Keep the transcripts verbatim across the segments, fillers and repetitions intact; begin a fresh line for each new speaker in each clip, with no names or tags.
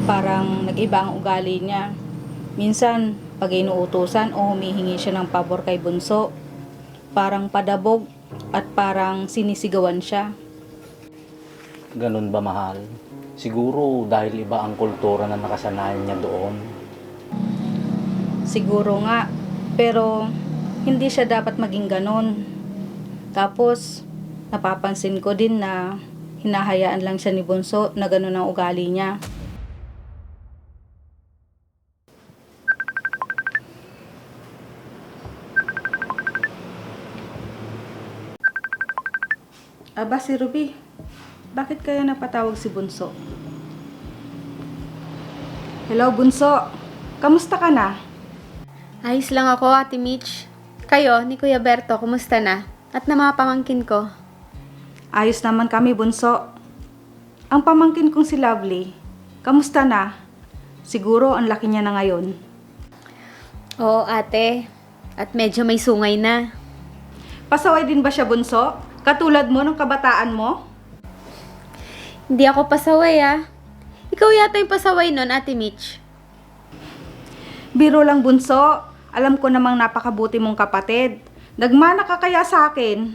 Parang nag-iba ang ugali niya. Minsan, pag inuutusan o humihingi siya ng pabor kay Bunso, parang padabog at parang sinisigawan siya.
Ganun ba, mahal? Siguro dahil iba ang kultura na nakasanayan niya doon.
Siguro nga, pero hindi siya dapat maging ganon. Tapos, napapansin ko din na hinahayaan lang siya ni Bunso na ganon ang ugali niya. Aba, si Ruby, bakit kaya napatawag si Bunso? Hello, Bunso. Kamusta ka na?
Ayos lang ako, Ate Mitch. Kayo, ni Kuya Berto, kumusta na? At na mga pamangkin ko?
Ayos naman kami, Bunso. Ang pamangkin kong si Lovely, kamusta na? Siguro ang laki niya na ngayon.
Oo, ate. At medyo may sungay na.
Pasaway din ba siya, Bunso? Katulad mo nung kabataan mo?
Hindi ako pasaway, ah. Ikaw yata yung pasaway nun, Ate Mitch.
Biro lang, Bunso. Alam ko namang napakabuti mong kapatid. Nagmana ka kaya sa akin.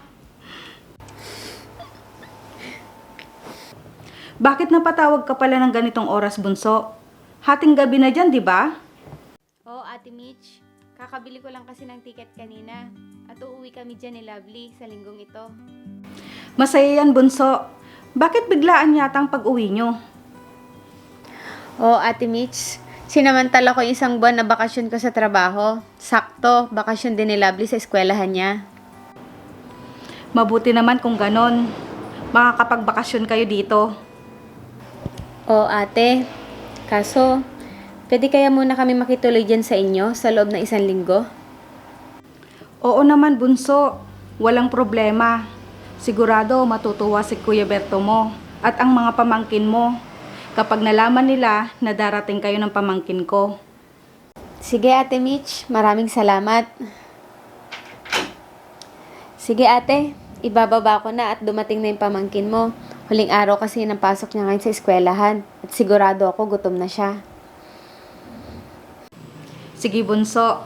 Bakit napatawag ka pala ng ganitong oras, Bunso? Hating gabi na dyan, di ba?
Oo, Ate Mitch. Kakabili ko lang kasi ng ticket kanina. At uuwi kami dyan ni Lovely sa linggong ito.
Masaya yan, Bunso. Bakit biglaan yata ang pag-uwi nyo?
Oo, Ate Mitch. Sinamantala ko yung isang buwan na bakasyon ko sa trabaho. Sakto, bakasyon din ni Lovely sa eskwelahan niya.
Mabuti naman kung ganon. Makakapagbakasyon kayo dito.
Oo, ate. Kaso, pwede kaya muna kami makituloy dyan sa inyo sa loob ng isang linggo?
Oo naman, Bunso. Walang problema. Sigurado matutuwa si Kuya Berto mo at ang mga pamangkin mo kapag nalaman nila na darating kayo ng pamangkin ko.
Sige, Ate Mitch. Maraming salamat. Sige, ate. Ibababa ko na at dumating na yung pamangkin mo. Huling araw kasi ng pasok niya ngayon sa eskwelahan. At sigurado ako gutom na siya.
Sige, Bunso.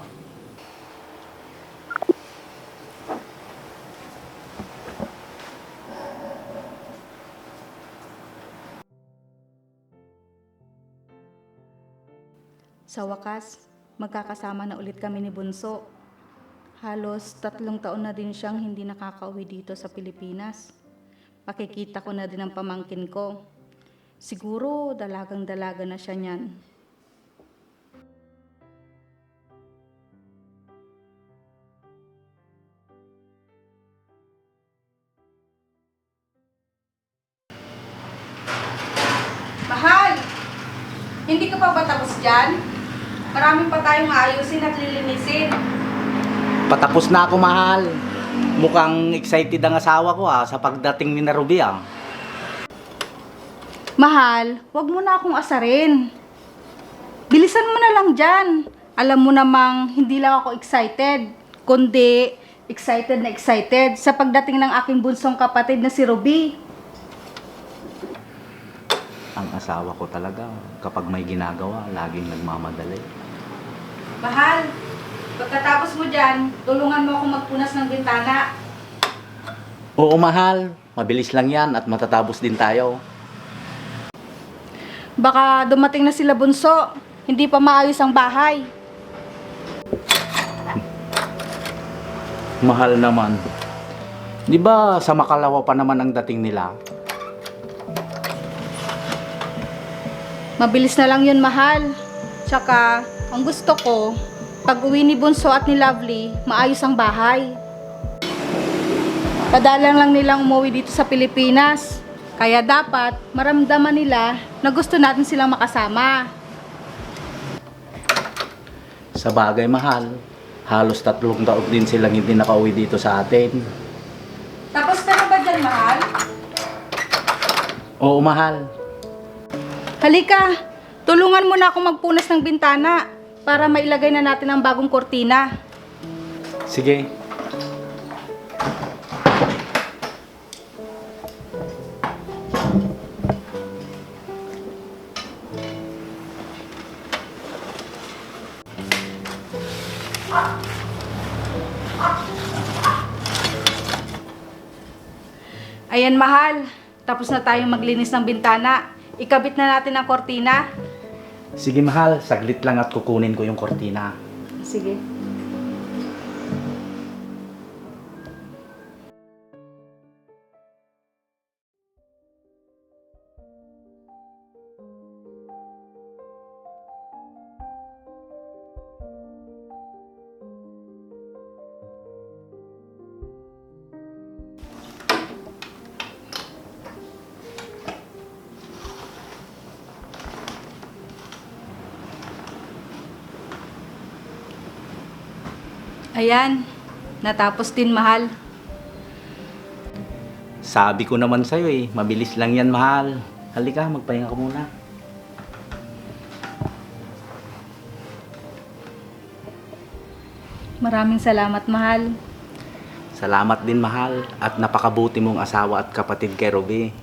Sa wakas, magkakasama na ulit kami ni Bunso. Halos tatlong taon na din siyang hindi nakakauwi dito sa Pilipinas. Pakikita ko na din ang pamangkin ko. Siguro dalagang-dalaga na siya niyan. Mahal! Hindi ka pa ba tapos dyan? Marami pa tayong ayusin at lilinisin.
Patapos na ako, mahal. Mukhang excited ang asawa ko ah, sa pagdating ni na Ruby ah.
Mahal, wag mo na akong asarin. Bilisan mo na lang dyan. Alam mo namang hindi lang ako excited, kundi excited na excited sa pagdating ng aking bunsong kapatid na si Ruby.
Ang asawa ko talaga, kapag may ginagawa, laging nagmamadali.
Mahal, pagkatapos mo dyan, tulungan mo akong magpunas ng bintana.
Oo, mahal. Mabilis lang yan at matatapos din tayo.
Baka dumating na sila, Bunso. Hindi pa maayos ang bahay.
Mahal naman. Di ba sa Makalawa pa naman ang dating nila?
Mabilis na lang yun, mahal. Tsaka, ang gusto ko, pag uwi ni Bunso at ni Lovely, maayos ang bahay. Padalang lang nilang umuwi dito sa Pilipinas. Kaya dapat maramdaman nila na gusto natin silang makasama.
Sa bagay, mahal. Halos tatlong taon din silang hindi nakauwi dito sa atin.
Tapos ka na ba dyan, mahal?
Oo, mahal.
Halika, tulungan mo na akong magpunas ng bintana para mailagay na natin ang bagong kortina.
Sige.
Ayan, mahal. Tapos na tayong maglinis ng bintana. Ikabit na natin ang kortina.
Sige mahal, saglit lang at kukunin ko yung kortina.
Sige. Ayan, natapos din, mahal.
Sabi ko naman sa'yo eh, mabilis lang yan mahal. Halika, magpahinga ka muna.
Maraming salamat, mahal.
Salamat din mahal at napakabuti mong asawa at kapatid kay Ruby.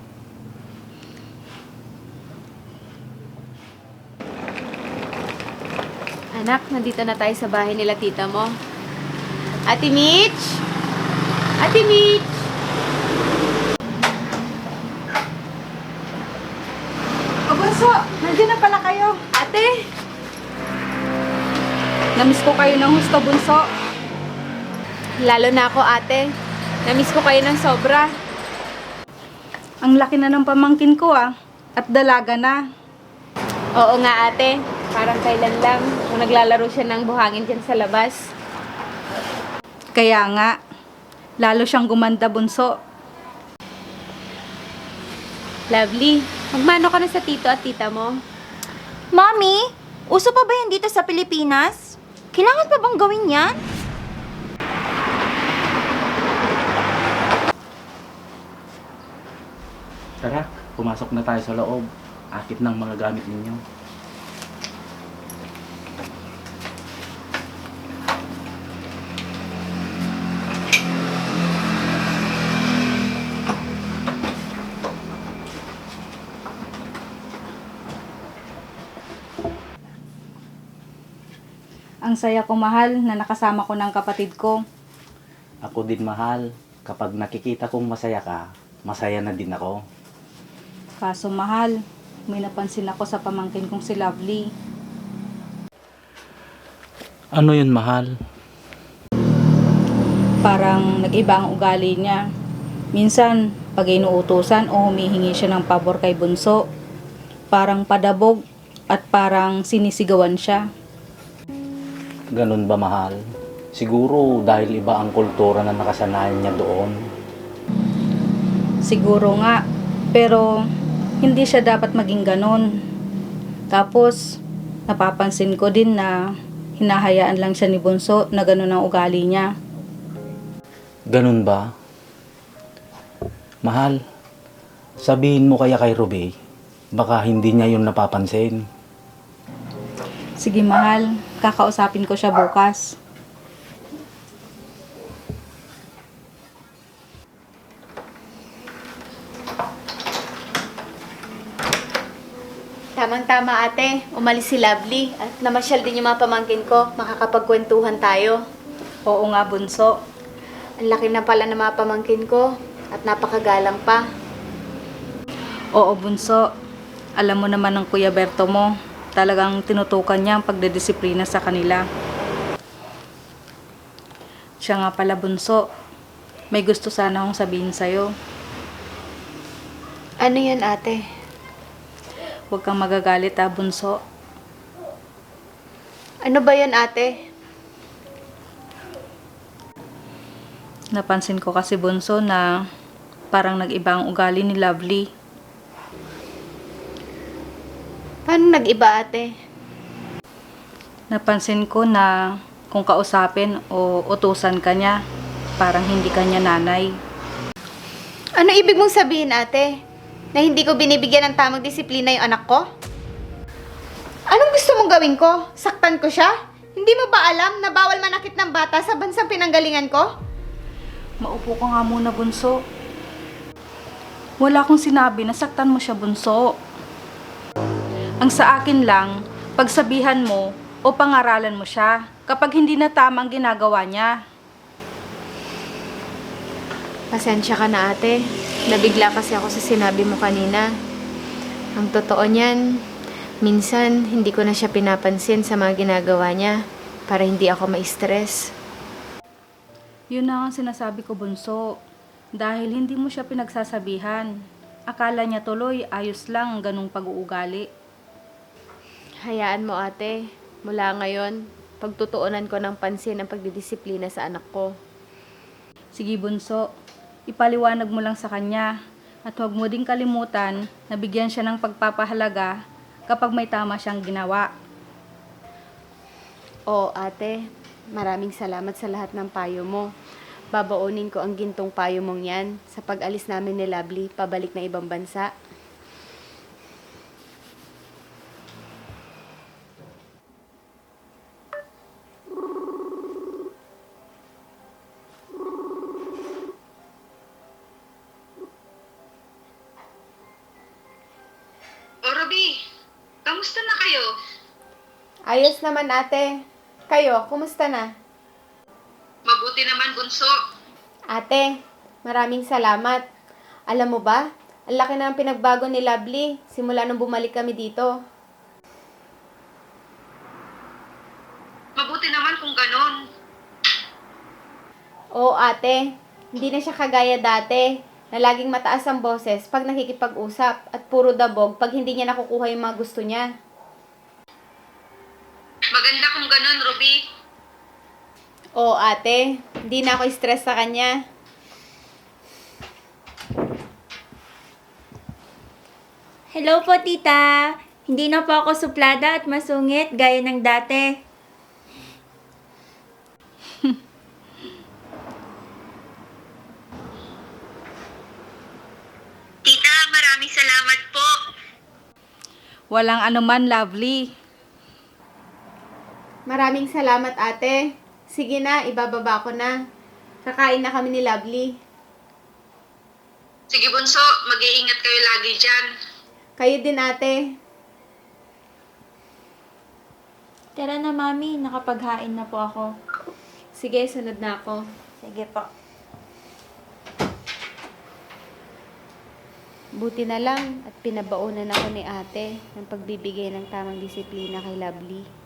Anak, nandito na tayo sa bahay nila tita mo. Ate Mitch! Ate Mitch!
O, Bunso, nandiyan na pala kayo.
Ate!
Namiss ko kayo ng husto, Bunso.
Lalo na ako, ate. Namiss ko kayo ng sobra.
Ang laki na ng pamangkin ko ah. At dalaga na.
Oo nga, ate. Parang kailan lang kung naglalaro siya ng buhangin dyan sa labas.
Kaya nga, lalo siyang gumanda, Bunso.
Lovely. Magmano ka na sa tito at tita mo?
Mommy, uso pa ba yan dito sa Pilipinas? Kailangan pa bang gawin yan?
Tara, pumasok na tayo sa loob. Akit ng mga gamit ninyo.
Ang saya ko, mahal, na nakasama ko ng kapatid ko.
Ako din mahal. Kapag nakikita kong masaya ka, masaya na din ako.
Kaso, mahal, may napansin ako sa pamangkin kong si Lovely.
Ano yun mahal?
Parang nag-iba ang ugali niya. Minsan, pag inuutusan o humihingi siya ng pabor kay Bunso, parang padabog at parang sinisigawan siya.
Ganun ba mahal? Siguro dahil iba ang kultura na nakasanayan niya doon.
Siguro nga, pero hindi siya dapat maging ganon. Tapos, napapansin ko din na hinahayaan lang siya ni Bunso na ganon ang ugali niya.
Ganun ba? Mahal, sabihin mo kaya kay Ruby, baka hindi niya yun napapansin.
Sige, mahal, kakausapin ko siya bukas.
Tamang-tama, ate. Umalis si Lovely at namasyal din yung mga pamangkin ko. Makakapagkwentuhan tayo.
Oo nga, Bunso.
Ang laki na pala ng mga pamangkin ko at napakagalang pa.
Oo, Bunso. Alam mo naman ng Kuya Berto mo, talagang tinutukan niya ang pagdedisiplina sa kanila. Siya nga pala, Bunso. May gusto sana akong sabihin sa'yo.
Ano yan, ate?
Huwag kang magagalit, ha, Bunso.
Ano ba yan, ate?
Napansin ko kasi, Bunso, na parang nag-iba ang ugali ni Lovely.
Paano nag-iba, ate?
Napansin ko na kung kausapin o utusan ka niya, parang hindi ka niya nanay.
Ano ibig mong sabihin, ate? Na hindi ko binibigyan ng tamang disiplina yung anak ko? Anong gusto mong gawin ko? Saktan ko siya? Hindi mo ba alam na bawal manakit ng bata sa bansang pinanggalingan ko?
Maupo ka nga muna, Bunso. Wala akong sinabi na saktan mo siya, Bunso. Ang sa akin lang, pagsabihan mo o pangaralan mo siya. kapag hindi na tama ang ginagawa niya.
Pasensya ka na, ate. Nabigla kasi ako sa sinabi mo kanina. Ang totoo niyan, minsan hindi ko na siya pinapansin sa mga ginagawa niya para hindi ako ma-stress.
Yun na ang sinasabi ko, Bunso. Dahil hindi mo siya pinagsasabihan. Akala niya tuloy ayos lang ang ganung pag-uugali.
Hayaan mo, ate. Mula ngayon, pagtutuunan ko ng pansin ang pagdidisiplina sa anak ko.
Sige, Bunso. Ipaliwanag mo lang sa kanya. At huwag mo ding kalimutan na bigyan siya ng pagpapahalaga kapag may tama siyang ginawa.
Oo, ate. Maraming salamat sa lahat ng payo mo. Babaunin ko ang gintong payo mong yan sa pag-alis namin ni Lovely pabalik na ibang bansa.
O Ruby, kamusta na kayo?
Ayos naman, ate. Kayo, kumusta na?
Mabuti naman, Bunso.
Ate, maraming salamat. Alam mo ba, ang laki na ang pinagbago ni Lovely simula nung bumalik kami dito.
Mabuti naman kung ganon.
Oo, ate. Hindi na siya kagaya dati na laging mataas ang boses pag nakikipag-usap at puro dabog pag hindi niya nakukuha yung mga gusto niya.
Maganda kung ganon, Ruby.
Oo, ate. Hindi na ako stress sa kanya.
Hello po, tita. Hindi na po ako suplada at masungit gaya ng dati.
Tita, maraming salamat po.
Walang anuman, Lovely.
Maraming salamat, ate. Sige na, ibababa ko na. Kakain na kami ni Lovely.
Sige, Bunso, mag-iingat kayo lagi dyan.
Kayo din, ate.
Tara na, mami. Nakapaghain na po ako.
Sige, sunod na ako.
Sige po.
Buti na lang at pinabaunan ako ni ate ng pagbibigay ng tamang disiplina kay Lovely.